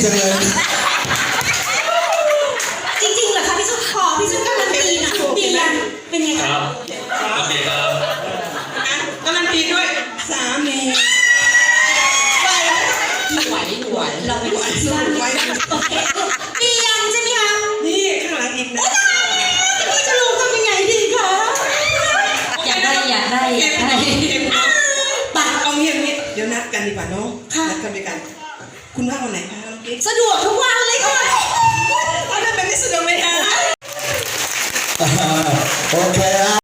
จังเลยจริงๆเหรอคะพี่ชุดขอพี่ชุดการันตีนะดีนะเป็นไงคคะรับโอเคครับการันตีด้วยสามีไหวเราเป็นคนที่ว่าโอเคเตียงใช่ไหมคะนี่ข้างหลังอีกนะพี่จะรู้ทำยังไงดีคะเต็มปัดเอาเงียบนี้เดี๋ยวนัดกันดีกว่าน้องนัดกันไปกันคุณว่างวันไหนคะน้องกิ๊กสะดวกทุกวันเลยค่ะเอาได้เป็นที่สะดวกไหมคะโอเค